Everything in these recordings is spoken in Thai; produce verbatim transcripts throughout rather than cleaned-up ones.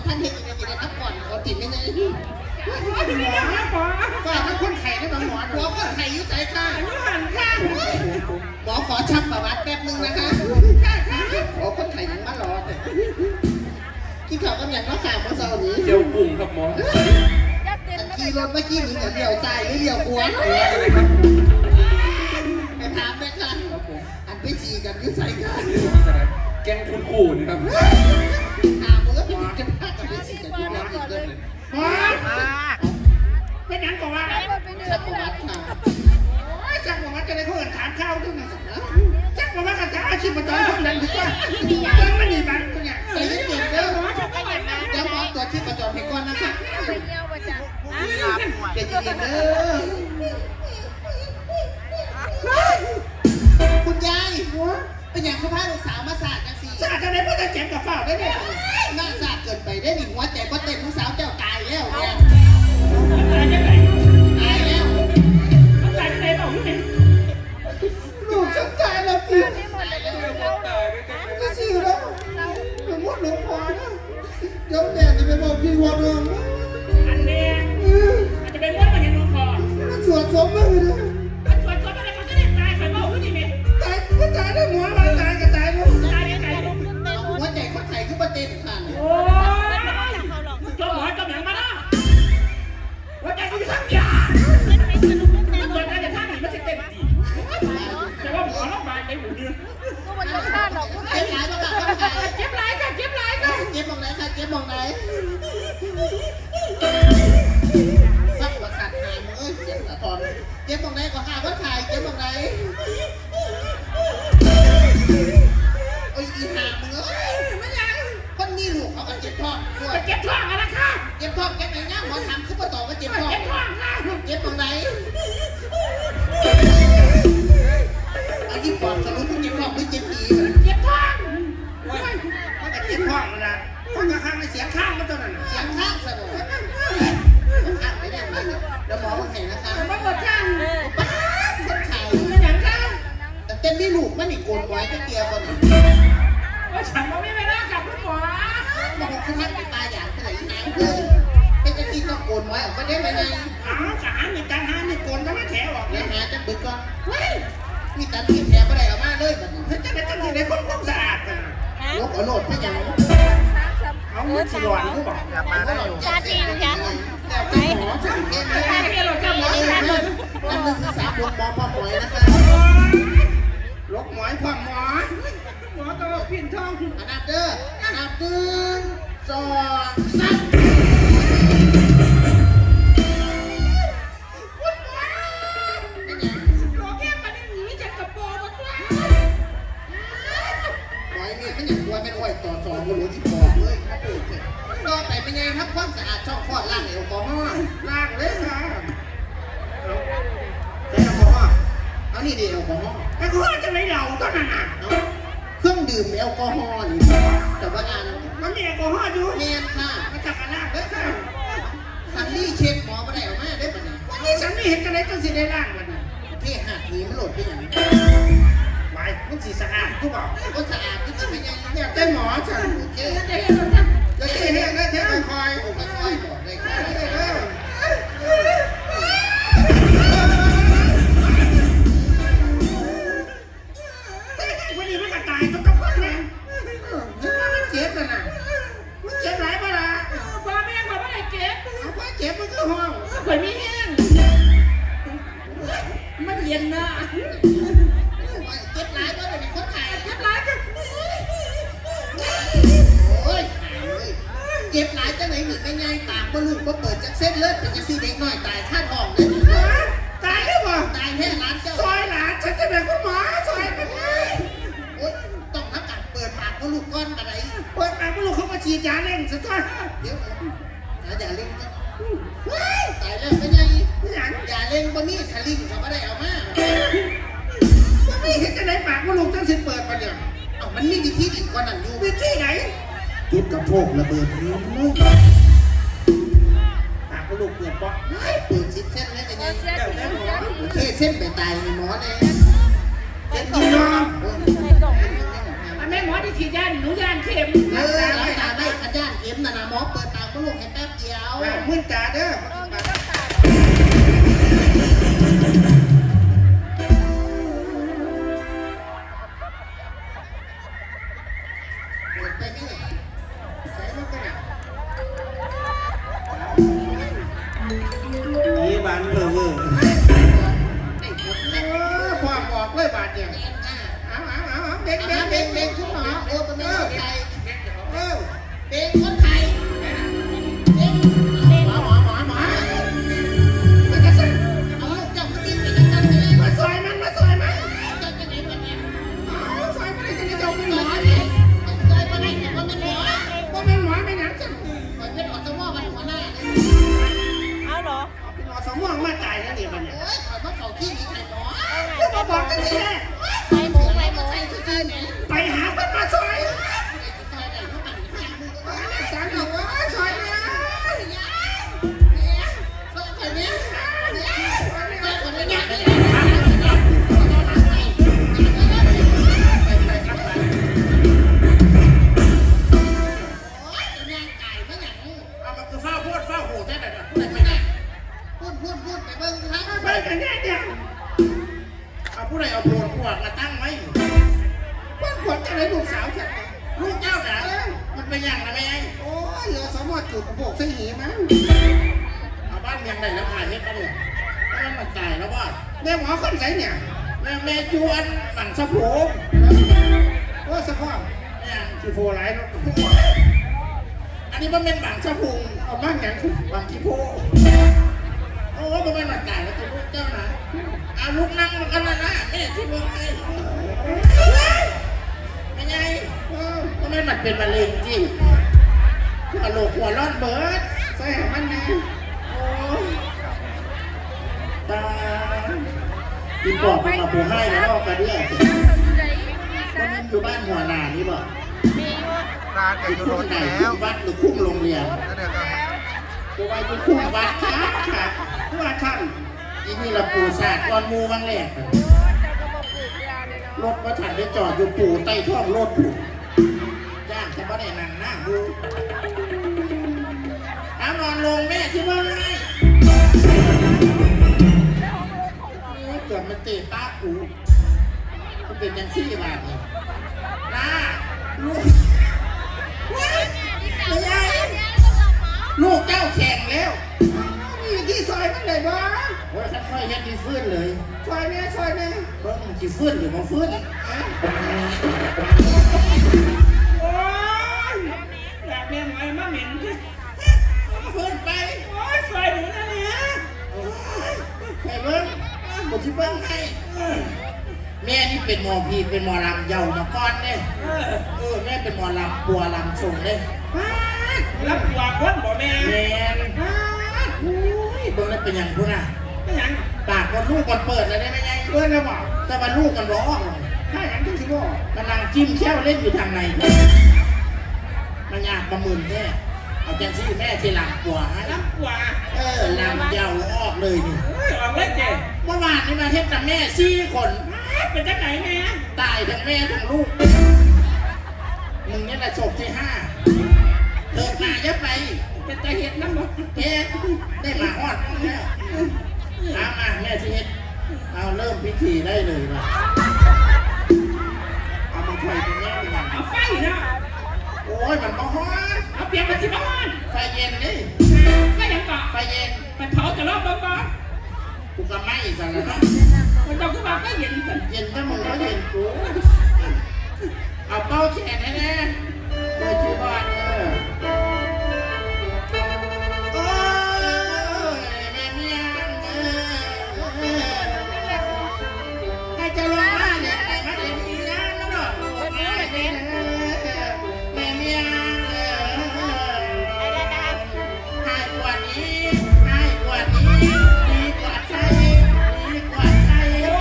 ท่านเห็นยังไงจะได้ทับก่อนขอติดไม่ไงหมอหมอก็เป็นคนไข้นะหมอหมอหมอคนไข้ยุ่ใจค่ะยุ่หันค่ะหมอขอชักประวัติแป๊บนึงนะคะหมอคนไข้ยังมารอกินข้าวกันอย่างน้อยข่าวเมื่อเช้านี้เจียวกุ้งครับหมอขี่รถเมื่อกี้นี้เดี๋ยวใจหรือเดี๋ยวกวนไปถามแม่ค่ะอันไปฉี่กันยุ่ใส่กันแกงคุณขู่นี่ครับถามมึงก็ไปกันพากันไปฉี่กันยุ่งอีกเลยเป็นยังก่อนว่าชักประวัติค่ะจักประวัติจะได้เขาเอินถามข้าวด้วยนะจักประวัติกับอาชีพประจำคนนั้นดีกว่ายังไม่มีบัตรเนี่ยใจเย็นๆเด้อเดี๋ยวหมอตรวจที่ประจำให้ก่อนนะคะใจเย็นๆเด้อคุณยายเป็นอย่างเขาพาลูกสาวมาสาดกันสิสาดจะได้พ่อจะเจ็บกับฝ้าได้เนี่ยน่าสาดเกินไปได้หนิหัวใจก็เต้นลูกสาวเจ้าตายแล้วเนี่ยตายยังไงตายแล้วตายยังไงเปล่าลูกเนี่ยลูกฉันตายแล้วพี่ก็สิแล้วเป็นมดหลงคอนะเดี๋ยวแม่จะไปบอกพี่ว่าเรื่องอันนี้มันจะเป็นมดมันยังลงคอมันสวดสมมือเลยมันสวดสมอะไรเขาจะได้ตายใครบอกลูกนี่ไหมตายก็ตายได้หัวมาตายก็ตายลูกตายยังไงหัวใจคนไทยคือประเด็นค่ะโอ้ยจมหัวจมหนังมาละหัวใจเขาจะทั้งยามันตัวใจจะทั้งหนีมันจะเต็มจีแต่ว่าหมอรับมาในหูเนื้อก็มันจะฆ่าหรอกเจ็บหลายบ้างค่ะเจ็บหลายค่ะเจ็บหลายค่ะเจ็บมองไหนค่ะเจ็บมองไหนฟังประสาทหายมึงเอ้ยเจ็บสะท้อนเจ็บมองไหนก็หาว่าถ่ายเจ็บมองไหนโอ้ยอีหามึงเอ้ยมันยังคนนี้ลูกเขาก็เจ็บท้องเจ็บท้องอะไรค่ะเจ็บท้องแกไหนเนี่ยหมอถามขึ้นมาต่อว่าเจ็บท้องเจ็บท้องค่ะเจ็บมองไหนไอ้ที่ปอดสรุปมึงเจ็บท้องไม่เจ็บอีเจ็บท้องมันก็เจ็บท้องมันละท้องข้างในเสียงข้างมันตัวนั้นเสียงข้างสนุกข้างไม่ได้ไหมแล้วหมอมาเห็นนะคะมันหมดข้างป้าคนไทยมันอย่างข้างแต่เต้นไม่ลูกมันอีกโกนไว้ก็เกียร์ก่อนว่าฉันมันไม่ไปนั่งกับคุณหมอมาบอกคุณท่านตาอย่างที่ไหนน้ำเลยเป็นจะกินต้องโกนไว้ออกมาได้ไหมไงหาขามีการหามีโกนก็ไม่แถวออกแล้วหาจะบึกก่อนมีตันที่แถวไม่ได้ออกมาเลยแบบนี้เฮ้ยจะได้ตั้งที่ได้คนความสะอาดกันลบเอาโหลดพี่ยังเอาเงินสิหลอนกูบอกกลับมาได้ชาจีนค่ะแต่หมอจะเองนะนั่นคือสามหมอพ่อหมอยนะคะลกหมอยพ่อหมอหมอตลกพินทองอันดับเด้ออันดับหนึ่งสองสามโลแก้ปันหนีจากกระโปรงมาด้วยหมอยเนี่ยไม่อยากกลัวไม่ไหวต่อสองก็รู้ที่บอกเลยต่อไปเป็นไงครับความสะอาดช่องคลอดล่างแอลกอฮอล์ล่างเลยค่ะใช้แอลกอฮอล์เอานี่ดิแอลกอฮอล์แอลกอฮอล์จะไม่เหลาต้นน่ะเครื่องดื่มแอลกอฮอล์นี่แต่ว่าอันมันมีแอลกอฮอล์อยู่เนียนค่ะมาจากอะไรเด้อค่ะสันนี่เช็ดหมอมาได้ออกมาได้ปะเนี่ยวันนี้สันนี่เห็นกันได้ตั้งสิได้ล่างมันเท่หัดนี้มันโหลดไปอย่างไว้มันสีสะอาดกูบอกก็สะอาดก็จะไม่ยังอยากได้หมอฉันโอเคจะเห็นจะเห็นได้เท่าคอยโอ้คอยบอกได้ค่ะวันนี้มันก็ตายทุกคนเลยมันเจ็บน่ะมันเจ็บหลายเวลาพ่อแม่พ่อไม่ได้เจ็บเอาพ่อเจ็บมันก็ห้องข่อยมีแห้งมันเย็นนะเจ็บหลายก็เป็นคนไทยเจ็บหลายก็โอ้ยเจ็บหลายจะไหนหนีไม่ง่ายปากก็ลูกก็เปิดจากเส้นเลือดเป็นจะซีเด็กหน่อยตายคาดห้องเลยตายหรือเปล่าตายแค่ร้านเจ้าซอยหลานฉันจะเป็นคุณหมอซอยเป็นไงโอ๊ยต้องทำการเปิดปากก็ลูกก้อนอะไรเปิดปากก็ลูกเขามาฉีดยาเล่นสักก้อนเดี๋ยวอย่าเล่นกันตายแล้วเป็นไงอย่าเล่นบะมี่สลิงเขาไม่ได้เอามาบะมี่เห็นจะได้ปากก็ลูกตั้งสิเปิดมาเนี่ยเอามันมีวิธีอีกกว่านั้นอยู่วิธีไหนจุดกระโปงระเบิดนี้เลยปากก็ลูกเปิดปะเปิดชิดเส้นเลยเป็นไงโอเคเส้นไปตายในหมอเลยเส้นยิงยอมอันแม่หมอที่ฉีดยาหนูยานเข็มเออแล้วตาได้ขย้านเข็มนะนะหมอเปิดตาก็ลูกให้แป๊บเดียวมึนจ่าเด้อเปิดไปนี่ใส่ลูกกันนะนี่บานเบอร์เบอร์ไอ้คนเอเล็กอความออกเลยบาดเนี่ยเอ็นอ่ะเอาเอาเอาเอาเด็กเอาเด็กเด็เด็กกเด็เด็กกคุณหมอเออเป็นแม่คนไทยเออเด็กคนไทยเด็กหมอหมอหมอหมอมันจะสั่นเอาเจ้าขึ้นไปจะสั่นไปเลยมาซอยมันมาซอยมันเจ้าจะไหนวันนี้เอาซอยมันได้จะได้เจ้าเป็นหหมมออเนี่เนี่ย ยเคยมาได้แต่ว่าเป็นหมอว่าเป็นหมอไม่หนังจังมันเป็นอสมอมันหัวหน้าเอาเหรอเป็นหมอสมองมาตายแล้วเนี่ยมันเนี่ยโอ้ยขอมาเขาที่นี่ใครหมอก็มาบอกกันทีแรกไปหมูไปหมูใส่ซื่อๆเนี่ยไปหาคนมาซอยซอยไหนเขาปั่นข้างมือก็ว่าจานบอกว่าซอยนะซอยคนนี้ซอยคนนี้เอามาคือเฝ้าพูดเฝ้าหูแท้แต่พูดพูดพูดไปเบิ่งครับไปกันแน่เนี่ยเอาผู้ใดเอาโบนขวดมาตั้งไว้พวกขวดจะเลยลูกสาวฉันลูกเจ้าหนามันเป็นอย่างไรแม่โอ้ยเหลือสมอจุดกระโปงใส่หีมั้งเอาบ้านเมียงไหนแล้วผ่านเฮ็ดกันเนี่ยแล้วมันตายแล้วว่าแม่หมอคนไหนเนี่ยแม่แม่จวนหลังสะโพกโอ้สะโพกเนี่ยคือโฟไลท์แล้วอันนี้มันเป็นหลังสะโพกเอาบ้านอย่างหลังขี้โพโอ้มันเป็นหลังตายแล้วตัวลูกเจ้านะเอาลูกนั่งมันกันนะนะแม่ที่เมืองไทยเป็นไงก็ไม่มันเป็นมะเร็งจริงหัวโหลกหัวร้อนเบิร์ดใส่มันนะโอ้ตากินปอกมาปูให้แล้วก็เรียกก็มันอยู่บ้านหัวหน้านี่บ่มีอยู่ร้านแกอยู่รถไหนแล้ววัดหรือคุ้มโรงเรียนแล้วเดี๋ยวก็ตัวไว้อยู่คุ้มวัดครับครับผู้ว่าท่านอีนี่ละปูศาสตร์ก้อนมูบ้างแหละแต่ก็บอกปลูกยาเลยเนาะรถมาถัดได้จอดอยู่ปู่ใต้ท้องรถปู่ย่างจะไม่ได้นั่งนั่งดูเอานอนลงแม่ที่ว่าไงเกือบมันเตะตาปูมันเป็นยังซี่บาทนี่น้าลูกไม่ใช่ลูกเจ้าแข่งแล้วมีที่ซอยมันเลยบ้างโอ้ยค่อยๆยัดดีฟื้นเลยซอยเนี่ยซอยเนี่ยเบิ้งมันจีฟื้นหรือมันฟื้นโอ้ยอยากเลี้ยงไว้มาเหม็นจ้ะฟื้นไปโอ้ยซอยหนูนะเนี่ยใครเบิ้งกูที่เบิ้งให้แม่นี่เป็นหมอพีเป็นหมอลำเยามาก่อนเนี่ยเออแม่เป็นหมอลำปัวลำชงเลยรับปัวคนบ่แม่แม่โอ้ยเบิ้งแล้วเป็นอย่างพูน่ะเป็นอย่างปากคนลูกคนเปิดเลยได้ไหมไงเปิดแล้วบอกแต่ว่าลูกกันร้องถ้าอย่างที่สิบอกกำลังจิ้มแค่วเล่นอยู่ทางในมันยากประมืนแค่เอาจังซี่แม่ที่ลำปัวให้ลำปัวเออลำเยาออกเลยนี่ออกเลยเจ๊เมื่อวานนี่มาเฮ็ดกับแม่สี่คนเป็นจังไหนแม่ตายทั้งแม่ทั้งลูกมึงนี่แหละศพที่ห้าเดินมาเยอะไปเป็นตาเห็ดน้ำบ่เฮ็ดได้มาฮอดแล้วเอามาแม่ที่เฮ็ดเอาเริ่มพิธีได้เลยว่ะเอามาถอยตรงนี้ดีกว่าเอาไฟเนาะโอ้ยมันก็ฮ้อนเอาเปลี่ยนมาสิบ่ฮ้อนไฟเย็นนี่ไฟยังเกาะไฟเย็นไปเผาจะรอบบ้างกูก็ไม่สั่นแล้วเนาะมันต้องขึ้นมาก็เย็นสั่นเย็นถ้ามึงก็เย็นกูเอาเป้าแขนแน่ๆเลยชื่อบ้านเออโอ้ยแม่เมียงเออให้จะลงมาเนี่ยไปมาเดี๋ยวนี้นะแล้วเนาะแม่เมียงแม่เมียงเออให้กว่านี้ให้กว่านี้ดีกว่าใจดีกว่าใจ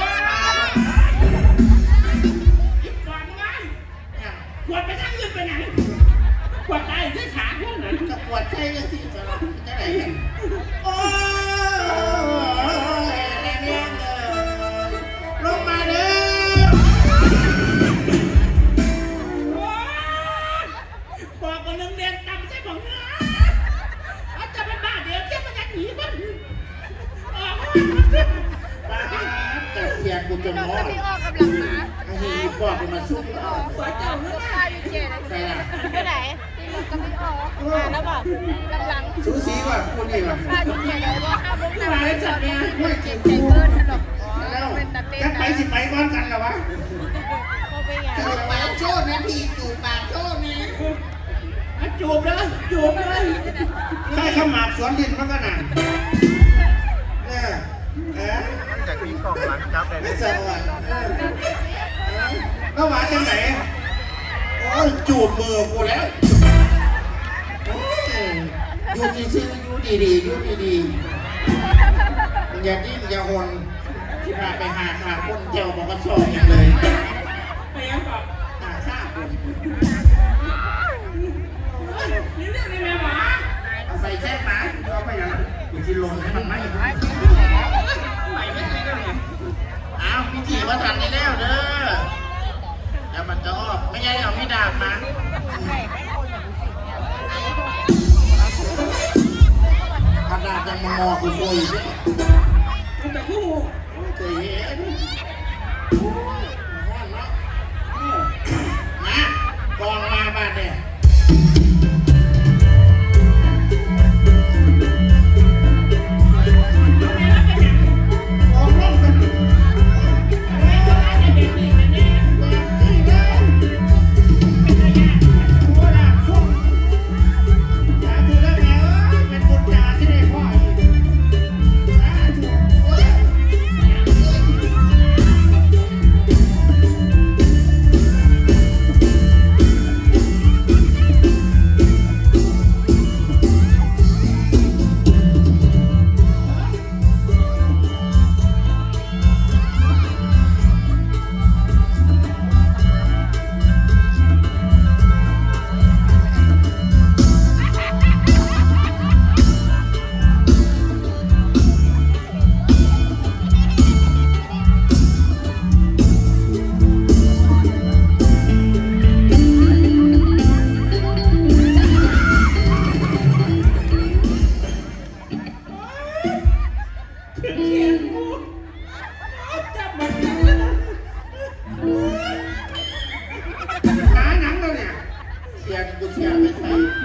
ยิ่งกว่ามั้งขวดไปทั้งยืนไปไหนขวดตายที่ขาพวกนั้นจะขวดใจยังสิจะจะไหนกันโอ้ยแม่เมียงเออลงมาเด้อกูจนรถมอก็ดพี่ออกกำลังมาไอ้เหี้ยบอกกูมาซุกเอาหัวเจ้าหัวตาอยู่เจ๊นะไปไหนพี่รถก็พี่ออกมาแล้วบอกกำลังสูสีกว่ากูนี่ว่ะข้าอยู่เจ๊เลยว่าห้าโมงนะมาแล้วจัดเนี่ยเจ็บใจเกินหรอกแล้วเป็นตะเต้นจะไปนะสิไปก้อนกันเหรอวะเขาไปไงจูบปากโชดนะพี่จูบปากโชดนะจูบเลยจูบเลยใช่ข้าวหมากสวนดินมันก็หนักเออเออจากมีกล่องร้านจับได้ไม่สวัสดิ์เออแล้วหวานจังไหนโอ้ยจูบมือกูแล้วโอ้ยอยู่ดีๆอยู่ดีๆอยู่ดีๆอย่าดิ้นอย่าหนที่พาไปหาขาคนเจียวบอกก็ชอบอย่างเลยไปยังก่อนหาข้าคนนี่เรื่องนี้แม่หมาเอาใส่แช่หมาเอาไปยังกูจะลงให้มันไหมไหวไม่ได้ก็เนี่ยอ้าวพี่จีมาทันได้แล้วเด้อแล้วมันจะออกไม่ใช่เอาพี่ดาบมาถ้าดาบยังมองอคือโวยอยู่